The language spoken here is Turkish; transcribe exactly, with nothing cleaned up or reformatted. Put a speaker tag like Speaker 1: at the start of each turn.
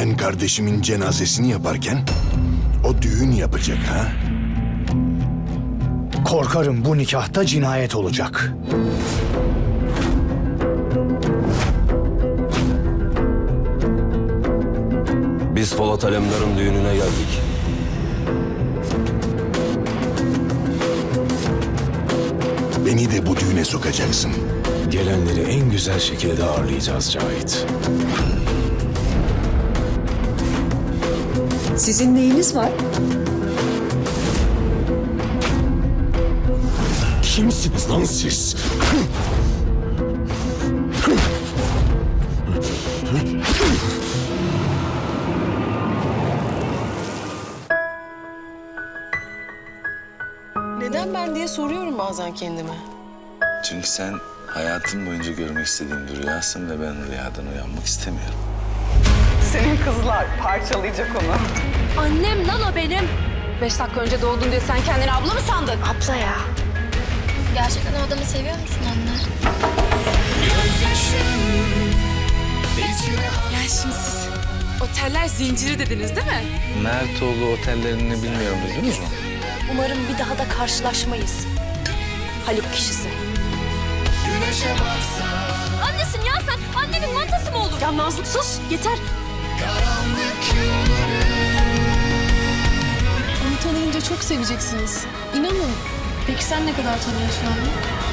Speaker 1: Ben kardeşimin cenazesini yaparken o düğün yapacak ha?
Speaker 2: Korkarım bu nikahta cinayet olacak.
Speaker 3: Biz Polat Alemdar'ın düğününe geldik.
Speaker 1: Beni de bu düğüne sokacaksın.
Speaker 4: Gelenleri en güzel şekilde ağırlayacağız Cahit.
Speaker 5: Sizin neyiniz var?
Speaker 1: Kimsiniz lan siz?
Speaker 6: Neden ben diye soruyorum bazen kendime.
Speaker 7: Çünkü sen hayatım boyunca görmek istediğim bir rüyasın ve ben rüyadan uyanmak istemiyorum.
Speaker 8: Senin kızlar parçalayacak onu.
Speaker 9: Annem lan o benim. Beş dakika önce doğdun diye sen kendini abla mı sandın?
Speaker 10: Abla ya. Gerçekten o adamı seviyor musun anne?
Speaker 9: Ya şimdi siz oteller zinciri dediniz değil mi?
Speaker 7: Mertoğlu otellerini bilmiyorum, duydunuz mu?
Speaker 9: Umarım bir daha da karşılaşmayız. Haluk kişisi. Annesin ya sen. Annemin mantası mı olur? Ya Nazlı sus yeter.
Speaker 6: Onu tanıyınca çok seveceksiniz. İnanın.
Speaker 9: Peki sen ne kadar tanıyorsun anne?